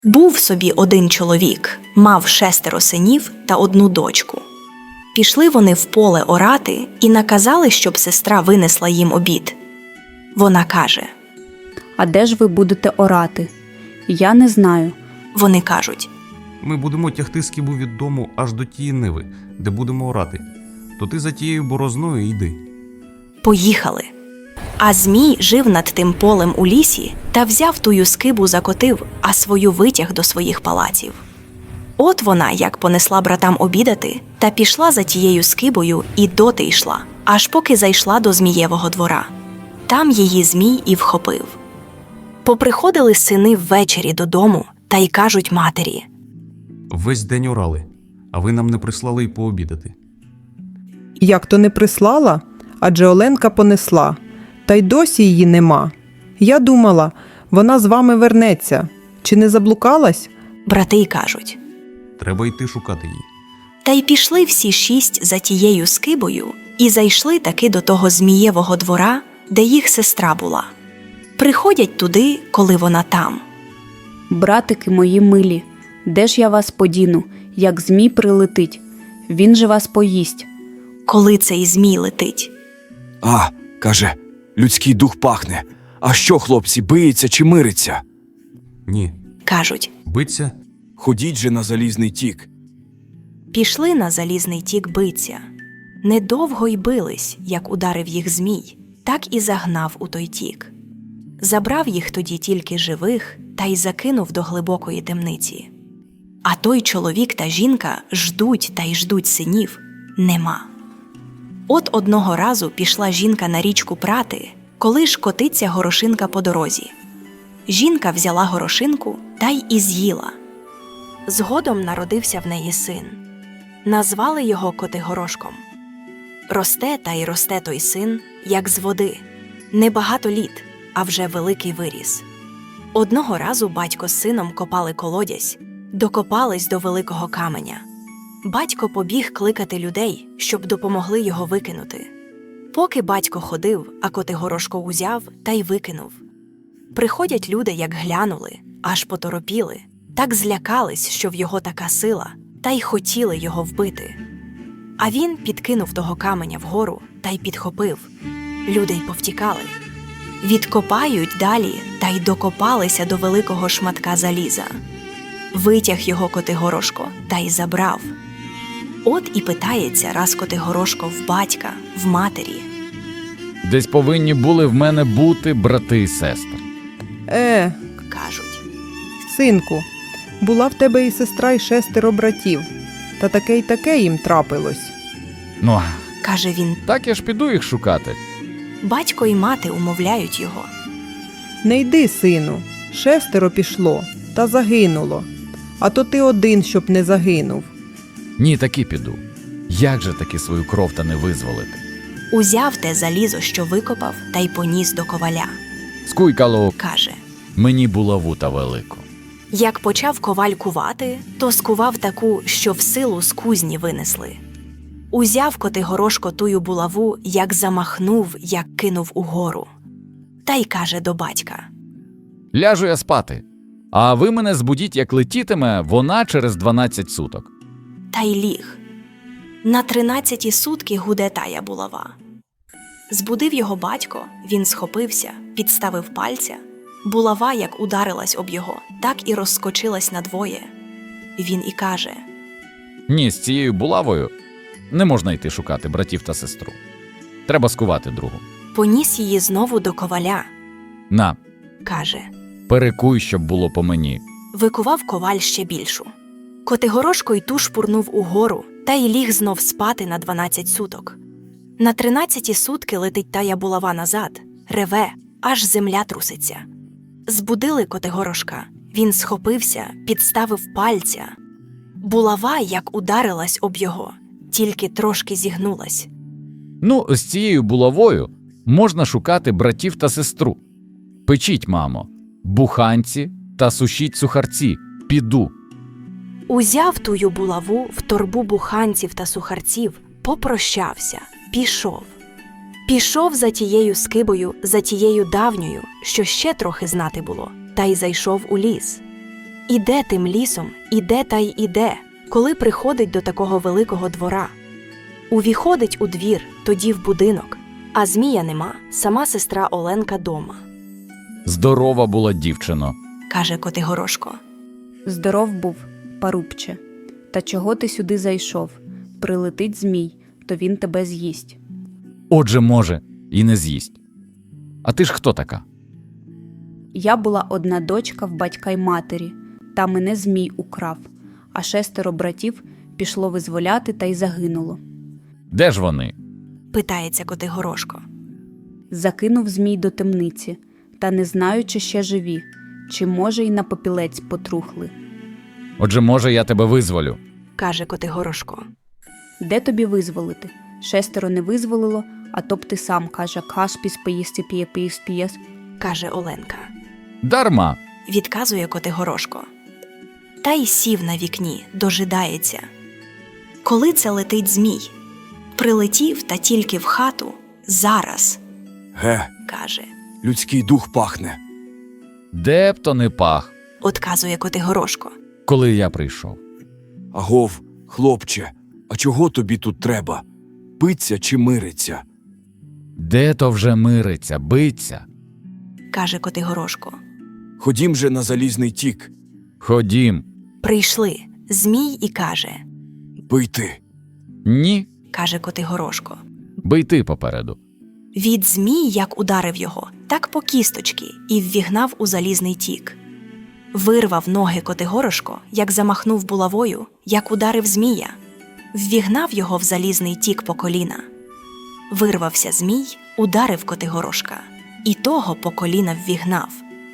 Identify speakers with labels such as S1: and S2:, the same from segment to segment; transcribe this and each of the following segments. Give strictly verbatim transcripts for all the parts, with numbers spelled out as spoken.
S1: Був собі один чоловік, мав шестеро синів та одну дочку. Пішли вони в поле орати і наказали, щоб сестра винесла їм обід. Вона каже:
S2: «А де ж ви будете орати? Я не знаю».
S1: Вони кажуть:
S3: Ми будемо тягти скибу від дому аж до тієї ниви, де будемо орати. То ти за тією борозною йди.
S1: Поїхали. А Змій жив над тим полем у лісі та взяв тую скибу, закотив, а свою витяг до своїх палаців. От вона, як понесла братам обідати, та пішла за тією скибою і доти йшла, аж поки зайшла до Змієвого двора. Там її Змій і вхопив. Поприходили сини ввечері додому та й кажуть матері:
S3: Весь день орали, а ви нам не прислали й пообідати.
S4: Як то не прислала? Адже Оленка понесла, та й досі її нема. Я думала, вона з вами вернеться. Чи не заблукалась?
S1: брати й кажуть.
S3: Треба йти шукати її.
S1: Та й пішли всі шість за тією скибою і зайшли таки до того Змієвого двора, де їх сестра була. Приходять туди, коли вона там.
S2: «Братики мої милі, де ж я вас подіну, як Змій прилетить? Він же вас поїсть».
S1: Коли цей Змій летить.
S5: А, каже, людський дух пахне. А що, хлопці, биється чи мириться?
S3: Ні.
S1: Кажуть:
S3: Биться?
S5: Ходіть же на залізний тік.
S1: пішли на залізний тік биться. Недовго й бились, як ударив їх Змій, так і загнав у той тік. Забрав їх тоді тільки живих та й закинув до глибокої темниці. А той чоловік та жінка ждуть та й ждуть синів – нема. От одного разу пішла жінка на річку прати, коли ж котиться горошинка по дорозі. Жінка взяла горошинку та й і з'їла. Згодом народився в неї син. Назвали його Котигорошком. Росте та й росте той син, як з води. Небагато літ, а вже великий виріс. Одного разу батько з сином копали колодязь, докопались до великого каменя. Батько побіг кликати людей, щоб допомогли його викинути. Поки батько ходив, а Котигорошко узяв та й викинув. Приходять люди, як глянули, аж поторопіли, так злякались, що в його така сила, та й хотіли його вбити. А він підкинув того каменя вгору та й підхопив. Люди й повтікали. Відкопають далі та й докопалися до великого шматка заліза. Витяг його Котигорошко та й забрав. От і питається раз Котигорошко в батька, в матері.
S6: Десь повинні були в мене бути брати і сестри.
S4: Е,
S1: Кажуть:
S4: синку, була в тебе і сестра, і шестеро братів. Та таке й таке їм трапилось.
S6: Ну,
S1: каже він.
S6: так я ж піду їх шукати.
S1: Батько і мати умовляють його.
S4: Не йди, сину, шестеро пішло, та загинуло. А то ти один, щоб не загинув.
S6: Ні, таки піду. Як же таки свою кров та не визволити?
S1: Узяв те залізо, що викопав, та й поніс до коваля.
S6: Скуйкало,
S1: Каже:
S6: мені булаву та велику.
S1: як почав коваль кувати, то скував таку, що в силу з кузні винесли. Узяв Котигорошко тую булаву, як замахнув, як кинув угору. Та й каже до батька:
S6: Ляжу я спати, а ви мене збудіть, як летітиме вона через дванадцять суток.
S1: та й ліг. На тринадцяті сутки гуде тая булава. Збудив його батько, він схопився, підставив пальця. Булава, як ударилась об його, так і розскочилась надвоє. Він і каже:
S6: Ні, з цією булавою не можна йти шукати братів та сестру. Треба скувати другу.
S1: поніс її знову до коваля.
S6: На,
S1: Каже:
S6: перекуй, щоб було по мені.
S1: викував коваль ще більшу. Котигорошко й ту шпурнув угору, та й ліг знов спати на дванадцять суток. На тринадцяті сутки летить тая булава назад, реве, аж земля труситься. Збудили Котигорошка, він схопився, підставив пальця. Булава, як ударилась об його, тільки трошки зігнулась.
S6: Ну, з цією булавою можна шукати братів та сестру. Печіть, мамо, буханці та сушіть сухарці, піду.
S1: Узяв тую булаву в торбу буханців та сухарців, попрощався, пішов. Пішов за тією скибою, за тією давньою, що ще трохи знати було, та й зайшов у ліс. Іде тим лісом, іде та й іде, коли приходить до такого великого двора. Увіходить у двір, тоді в будинок, а Змія нема, сама сестра Оленка дома.
S6: Здорова була дівчино.
S1: Каже Котигорошко.
S2: Здоров був, парубче. Та чого ти сюди зайшов? Прилетить змій, то він тебе з'їсть.
S6: Отже, може, і не з'їсть. А ти ж хто така?
S2: Я була одна дочка в батька й матері, та мене змій украв, а шестеро братів пішло визволяти та й загинуло.
S6: Де ж вони?
S1: Питається Котигорошко.
S2: Закинув змій до темниці, та не знаю, чи ще живі, чи, може, й на попілець потрухли.
S6: Отже, може, я тебе визволю.
S1: Каже Котигорошко.
S2: Де тобі визволити? Шестеро не визволило, а то б ти сам, каже, кашпіс поїсти піє пієс пієс.
S1: Каже Оленка.
S6: Дарма.
S1: Відказує Котигорошко. Та й сів на вікні, дожидається. Коли це летить змій? Прилетів та тільки в хату. Зараз,
S5: Ге,
S1: каже.
S5: людський дух пахне.
S6: Де б то не пах,
S1: Отказує Котигорошко.
S6: коли я прийшов.
S5: Агов, хлопче, а чого тобі тут треба? Питься чи мириться?
S6: Де то вже мириться, биться?
S1: Каже Котигорошко.
S5: Ходім же на залізний тік.
S6: Ходім.
S1: Прийшли. Змій і каже.
S5: Бий ти.
S6: Ні,
S1: Каже Котигорошко.
S6: бий ти попереду.
S1: Від змій, як ударив його, так по кісточки і ввігнав у залізний тік. Вирвав ноги Котигорошко, як замахнув булавою, як ударив змія. Ввігнав його в залізний тік по коліна. Вирвався змій, ударив Котигорошка, і того по коліна ввігнав.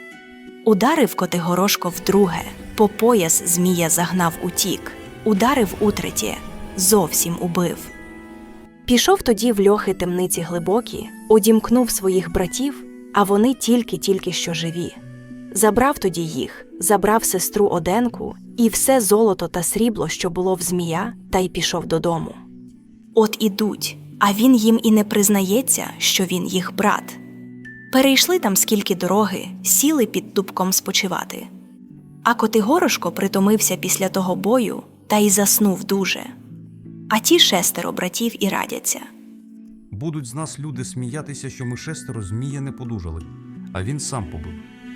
S1: Ударив Котигорошко вдруге, по пояс змія загнав у тік, ударив утретє, зовсім убив. Пішов тоді в льохи темниці глибокі, одімкнув своїх братів, а вони тільки-тільки що живі. Забрав тоді їх, забрав сестру Оденку і все золото та срібло, що було в змія, та й пішов додому. От ідуть, а він їм і не признається, що він їх брат. Перейшли там скільки дороги, сіли під дубком спочивати. А Котигорошко притомився після того бою та й заснув дуже. А ті шестеро братів і радяться.
S3: Будуть з нас люди сміятися, що ми шестеро змія не подужали, а він сам побив.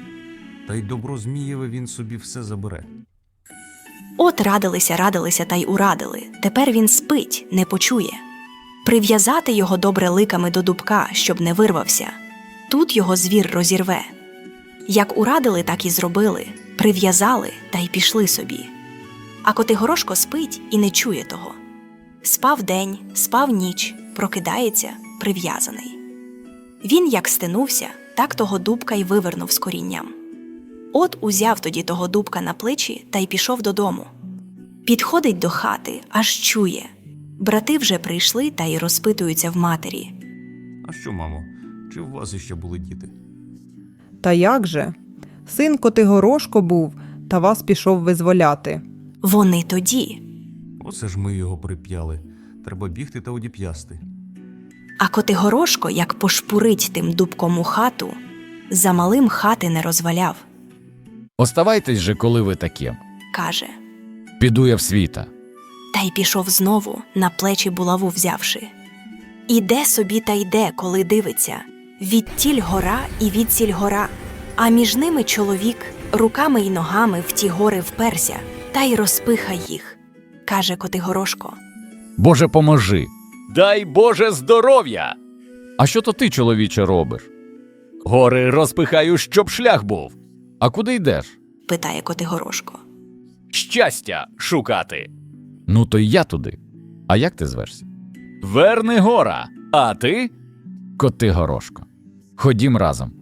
S3: Та й добро Змієве він собі все забере.
S1: От радилися, радилися та й урадили. Тепер він спить, не почує. Прив'язати його добре ликами до дубка, щоб не вирвався. Тут його звір розірве. Як урадили, так і зробили. Прив'язали та й пішли собі. А Котигорошко спить і не чує того. Спав день, спав ніч, прокидається, прив'язаний. Він як стенувся, так того дубка й вивернув з корінням. От узяв тоді того дубка на плечі та й пішов додому. Підходить до хати, аж чує. Брати вже прийшли та й розпитуються в матері.
S3: А що, мамо, чи в вас іще були діти?
S4: Та як же? Син Котигорошко був, та вас пішов визволяти.
S1: Вони тоді.
S3: Оце ж ми його прип'яли. Треба бігти та одіп'ясти.
S1: А Котигорошко, як пошпурить тим дубком у хату, за малим хати не розваляв.
S6: Оставайтесь же, коли ви такі.
S1: Каже.
S6: Піду я в світа.
S1: Та й пішов знову, на плечі булаву взявши. Іде собі та йде, коли дивиться. Відтіль гора і відсіль гора, а між ними чоловік руками й ногами в ті гори вперся, та й розпиха їх. Каже Котигорошко.
S6: Боже, поможи. Дай Боже здоров'я. А що то ти, чоловіче, робиш? Гори розпихаю, щоб шлях був. А куди йдеш?
S1: Питає Котигорошко.
S6: Щастя шукати. Ну, то й я туди. А як ти звешся? Вернигора. А ти? Котигорошко. Ходім разом.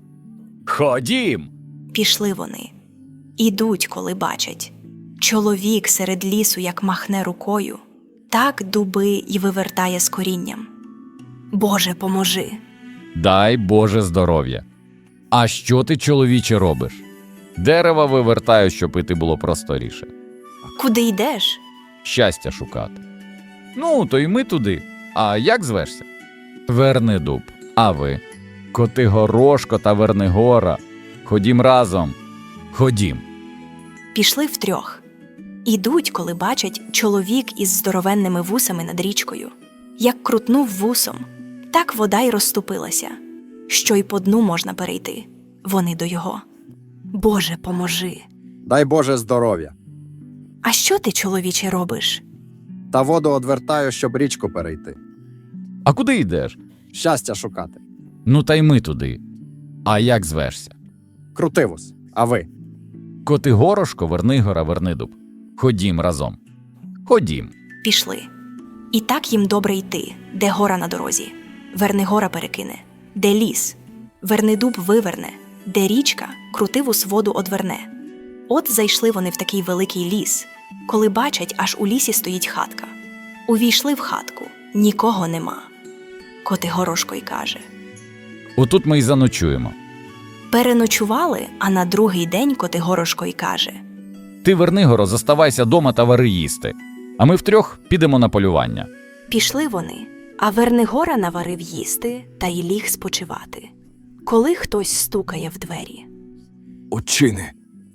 S6: Ходім.
S1: Пішли вони. Ідуть, коли бачать. Чоловік серед лісу, як махне рукою, так дуби й вивертає з корінням. Боже, поможи.
S6: Дай Боже здоров'я. А що ти, чоловіче, робиш? Дерева вивертаю, щоб іти було просторіше.
S1: Куди йдеш?
S6: Щастя шукати. Ну, то й ми туди. А як звешся? Вернидуб. А ви? Котигорошко та Вернигора. Ходім разом. Ходім.
S1: Пішли втрьох. Ідуть, коли бачать чоловік із здоровенними вусами над річкою. Як крутнув вусом, так вода й розступилася, що й по дну можна перейти. Вони до його. Боже, поможи!
S7: Дай Боже здоров'я.
S1: А що ти, чоловіче, робиш?
S7: Та воду одвертаю, щоб річку перейти.
S6: А куди йдеш?
S7: Щастя шукати.
S6: Ну та й ми туди. А як звешся?
S7: Крутивус. А ви?
S6: Котигорошко, Вернигора, Вернидуб. Ходім разом. Ходім.
S1: Пішли. І так їм добре йти, де гора на дорозі. Вернигора перекине, де ліс. Вернидуб виверне, де річка Крутивус воду одверне. От зайшли вони в такий великий ліс, коли бачать, аж у лісі стоїть хатка. Увійшли в хатку, нікого нема. Котигорошко й каже.
S6: Отут ми й заночуємо.
S1: Переночували, а на другий день Котигорошко й каже.
S6: Ти, Вернигоро, заставайся дома та вари їсти. А ми втрьох підемо на полювання.
S1: Пішли вони, а Вернигора наварив їсти та й ліг спочивати. Коли хтось стукає в двері.
S5: Отчини.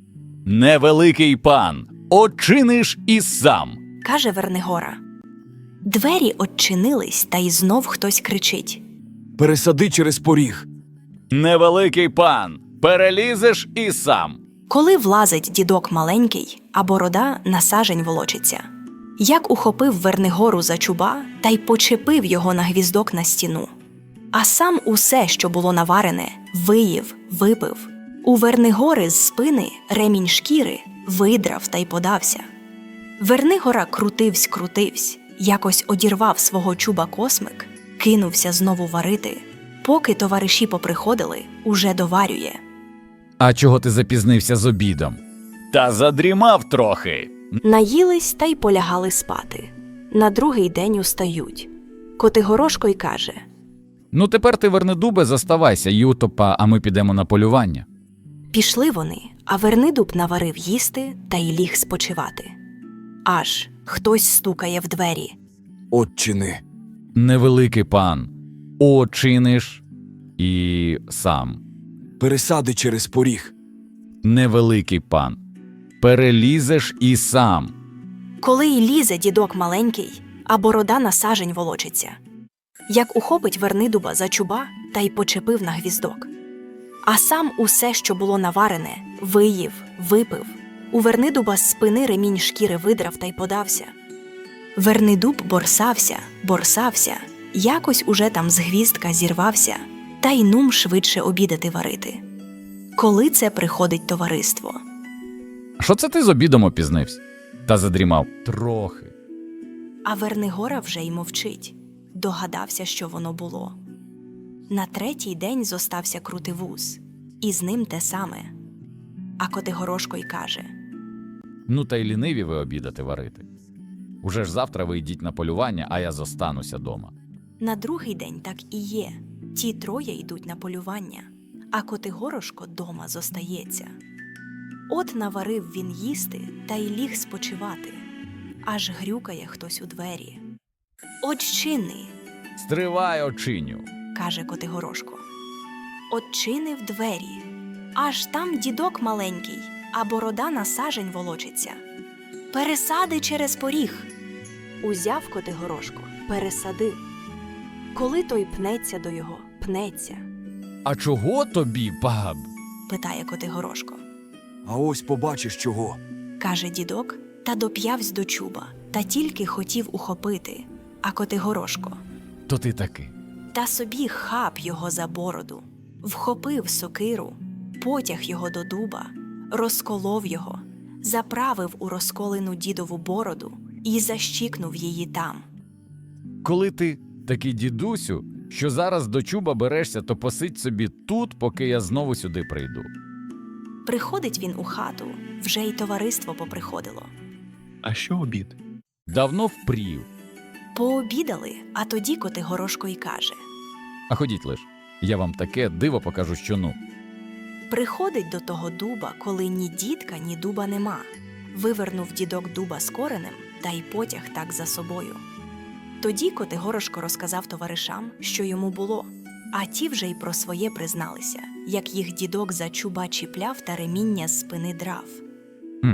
S6: Невеликий пан, очиниш і сам.
S1: Каже Вернигора. Двері odчинились, та й знов хтось кричить.
S5: Пересади через поріг.
S6: Невеликий пан, перелізеш і сам.
S1: Коли влазить дідок маленький, а борода на сажень волочиться. Як ухопив Вернигору за чуба та й почепив його на гвіздок на стіну. А сам усе, що було наварене, виїв, випив. У Вернигори з спини ремінь шкіри видрав та й подався. Вернигора крутивсь-крутивсь, якось одірвав свого чуба космик, кинувся знову варити. Поки товариші поприходили, уже доварює.
S6: А чого ти запізнився з обідом? Та задрімав трохи.
S1: Наїлись та й полягали спати. На другий день устають. Котигорошко й каже.
S6: Ну тепер ти, Вернидубе, заставайся, Ютопа, а ми підемо на полювання.
S1: Пішли вони, а Вернидуб наварив їсти та й ліг спочивати. Аж хтось стукає в двері.
S5: Отчини.
S6: Невеликий пан, очиниш і сам.
S5: Пересади через поріг.
S6: Невеликий пан, перелізеш і сам.
S1: Коли й лізе дідок маленький, а борода на сажень волочиться. Як ухопить Вернидуба за чуба та й почепив на гвіздок. А сам усе, що було наварене, виїв, випив. У Вернидуба з спини ремінь шкіри видрав та й подався. Вернидуб борсався, борсався, якось уже там з гвіздка зірвався, та й нум швидше обідати варити. Коли це приходить товариство?
S6: Що це ти з обідом опізнився? Та задрімав трохи.
S1: А Вернигора вже й мовчить. Догадався, що воно було. На третій день зостався Крутивус, і з ним те саме. А Котигорошко й каже.
S6: Ну та й ліниві ви обідати варити. Уже ж завтра ви йдіть на полювання, а я зостануся дома.
S1: На другий день так і є. Ті троє йдуть на полювання, а Котигорошко дома зостається. От наварив він їсти та й ліг спочивати. Аж грюкає хтось у двері. «Отчини!»
S6: Стривай, очиню.
S1: – каже Котигорошко. Отчинив двері. Аж там дідок маленький, а борода на сажень волочиться. «Пересади через поріг!» Узяв Котигорошко, пересадив. Коли той пнеться до його, пнеться,
S6: А чого тобі, баб?
S1: питає Котигорошко.
S5: А ось побачиш чого.
S1: Каже дідок, та доп'явсь до чуба, та тільки хотів ухопити. А Котигорошко.
S6: То ти таки.
S1: Та собі хап його за бороду, вхопив сокиру, потяг його до дуба, розколов його, заправив у розколену дідову бороду і защікнув її там.
S6: Коли ти такий дідусю, що зараз до чуба берешся, то посидь собі тут, поки я знову сюди прийду.
S1: Приходить він у хату, вже й товариство поприходило.
S8: А що обід?
S6: Давно впрів.
S1: Пообідали, а тоді Котигорошко й каже.
S6: А ходіть лиш, я вам таке диво покажу, що ну.
S1: Приходить до того дуба, коли ні дідка, ні дуба нема. Вивернув дідок дуба з коренем та й потяг так за собою. Тоді Котигорошко розказав товаришам, що йому було, а ті вже й про своє призналися, як їх дідок за чуба чіпляв та реміння з спини драв.
S6: Хм,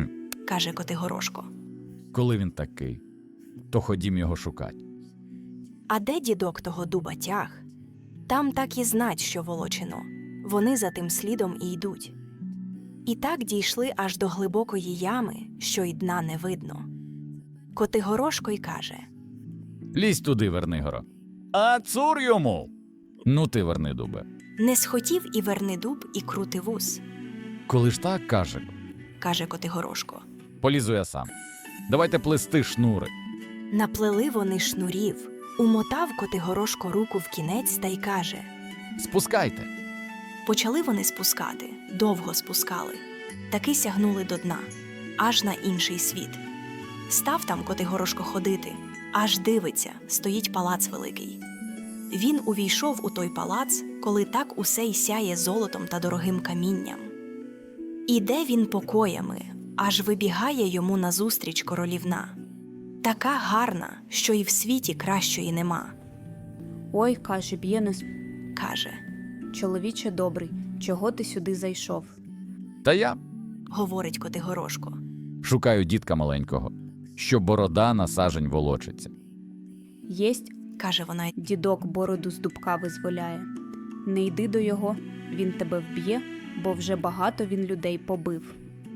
S1: каже Котигорошко.
S6: Коли він такий, то ходім його шукать.
S1: А де дідок того дуба тяг? Там так і знать, що волочино. Вони за тим слідом і йдуть. І так дійшли аж до глибокої ями, що й дна не видно. Котигорошко й каже:
S6: Лізь туди, Вернигоро. А цур йому! Ну ти, Вернидубе.
S1: не схотів і Вернидуб, і Крутивус,
S6: Коли ж так, каже,
S1: каже Котигорошко.
S6: полізу я сам. Давайте плести шнури.
S1: Наплели вони шнурів, умотав Котигорошко руку в кінець та й каже:
S6: Спускайте.
S1: почали вони спускати, довго спускали, таки сягнули до дна, аж на інший світ. Став там Котигорошко ходити, аж дивиться, стоїть палац великий. Він увійшов у той палац, коли так усе й сяє золотом та дорогим камінням. Іде він покоями, аж вибігає йому назустріч королівна. Така гарна, що й в світі кращої нема.
S2: Ой, каже Б'єнес,
S1: Каже,
S2: чоловіче добрий, чого ти сюди зайшов?
S6: Та я
S1: говорить Котигорошко.
S6: шукаю дітка маленького, що борода на сажень волочиться.
S2: Єсть,
S1: Каже вона,
S2: дідок бороду з дубка визволяє. Не йди до його, він тебе вб'є, бо вже багато він людей побив.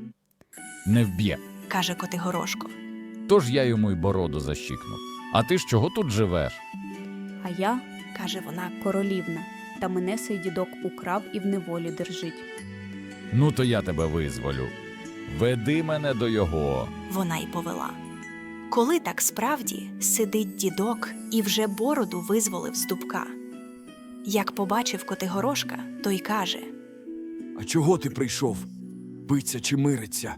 S6: Не вб'є.
S1: каже Котигорошко.
S6: Тож я йому й бороду защікнув. А ти ж чого тут живеш?
S2: А я
S1: Каже вона,
S2: королівна, та мене сей дідок украв і в неволі держить.
S6: Ну то я тебе визволю. Веди мене до його.
S1: вона й повела. Коли так справді сидить дідок і вже бороду визволив з дубка. Як побачив Котигорошка, то й каже:
S5: А чого ти прийшов? Биться чи мириться?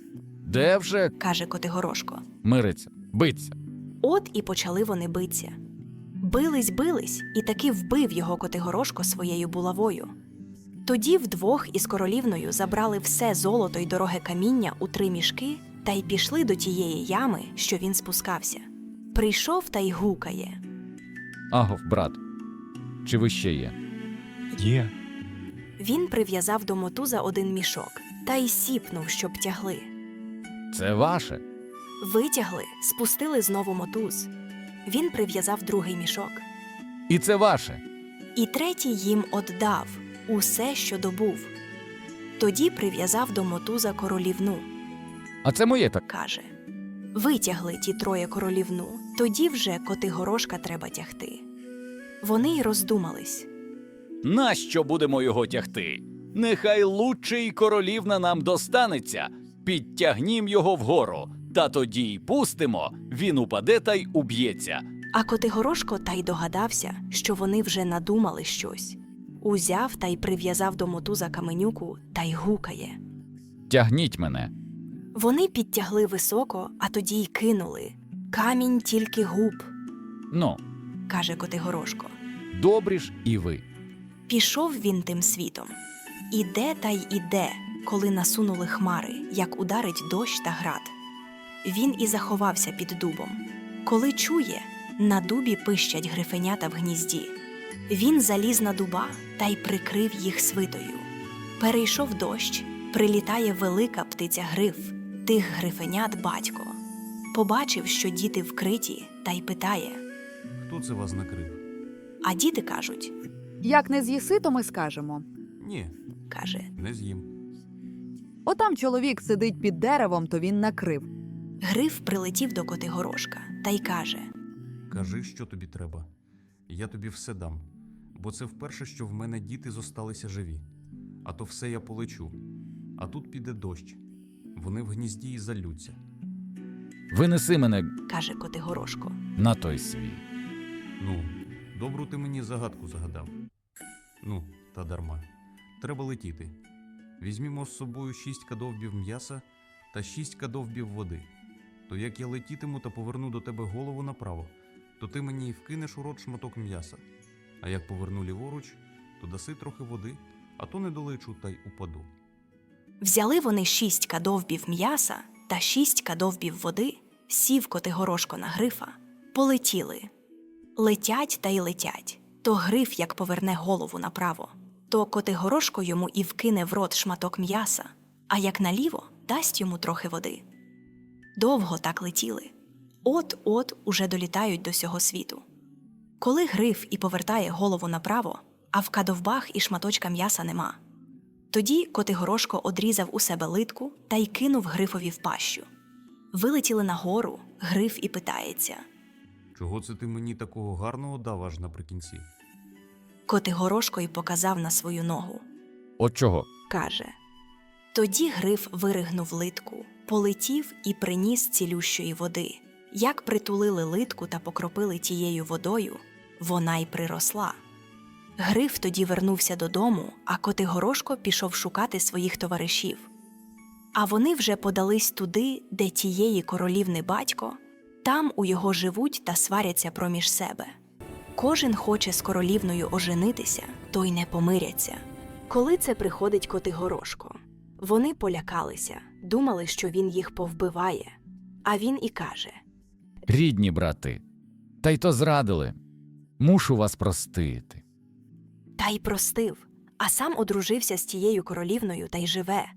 S6: Де вже
S1: каже Котигорошко.
S6: мириться, биться?
S1: От і почали вони биться. Бились, бились, і таки вбив його Котигорошко своєю булавою. Тоді вдвох із королівною забрали все золото й дороге каміння у три мішки та й пішли до тієї ями, що він спускався. Прийшов та й гукає.
S6: Агов, брат, чи ви ще є?
S8: Є.
S1: Він прив'язав до мотуза один мішок та й сіпнув, щоб тягли.
S6: Це ваше?
S1: Витягли, спустили знову мотуз. Він прив'язав другий мішок.
S6: І це ваше?
S1: І третій їм оддав усе, що добув. Тоді прив'язав до мотуза королівну.
S6: А це моє так.
S1: Каже: витягли ті троє королівну, тоді вже Котигорошка треба тягти. Вони й роздумались.
S9: Нащо будемо його тягти? Нехай лучший королівна нам достанеться, підтягнім його вгору, та тоді й пустимо, він упаде та й уб'ється.
S1: А Котигорошко та й догадався, що вони вже надумали щось. Узяв та й прив'язав до мотуза каменюку та й гукає.
S6: Тягніть мене.
S1: Вони підтягли високо, а тоді й кинули. Камінь тільки губ,
S6: Ну,
S1: каже Котигорошко.
S6: добрі ж і ви.
S1: Пішов він тим світом. Іде та й іде, коли насунули хмари, як ударить дощ та град. Він і заховався під дубом. Коли чує, на дубі пищать грифенята в гнізді. Він заліз на дуба та й прикрив їх свитою. Перейшов дощ, прилітає велика птиця-гриф, тих грифенят батько. Побачив, що діти вкриті, та й питає.
S3: Хто це вас накрив?
S1: А діти кажуть,
S10: Як не з'їси, то ми скажемо.
S3: Ні,
S1: каже,
S3: не з'їм.
S10: Отам чоловік сидить під деревом, то він накрив.
S1: Гриф прилетів до Котигорошка та й каже:
S3: Кажи, що тобі треба. Я тобі все дам, бо це вперше, що в мене діти зосталися живі. А то все я полечу. А тут піде дощ. Вони в гнізді і залються.
S6: Винеси мене
S1: каже Котигорошко.
S6: на той світ.
S3: Ну, добру ти мені загадку загадав. Ну, та дарма. Треба летіти. Візьмімо з собою шість кадовбів м'яса та шість кадовбів води. То як я летітиму та поверну до тебе голову направо, то ти мені й вкинеш у рот шматок м'яса. А як поверну ліворуч, то даси трохи води, а то не долечу та й упаду.
S1: Взяли вони шість кадовбів м'яса та шість кадовбів води, сів Котигорошко на грифа, полетіли. Летять та й летять. То гриф як поверне голову направо, то Котигорошко йому і вкине в рот шматок м'яса, а як наліво дасть йому трохи води. Довго так летіли. От-от уже долітають до сього світу. Коли Гриф і повертає голову направо, а в кадовбах і шматочка м'яса нема. Тоді Котигорошко одрізав у себе литку та й кинув Грифові в пащу. Вилетіли нагору, Гриф і питається.
S3: Чого це ти мені такого гарного дав аж наприкінці?
S1: Котигорошко й показав на свою ногу.
S6: От чого?
S1: Каже. Тоді Гриф виригнув литку, полетів і приніс цілющої води. Як притулили литку та покропили тією водою, вона й приросла. Гриф тоді вернувся додому, а Котигорошко пішов шукати своїх товаришів. А вони вже подались туди, де тієї королівни батько, там у його живуть та сваряться проміж себе. Кожен хоче з королівною оженитися, то й не помиряться. Коли це приходить Котигорошко, вони полякалися, думали, що він їх повбиває. А він і каже:
S6: Рідні брати, та й то зрадили. Мушу вас простити.
S1: та й простив, а сам одружився з тією королівною та й живе.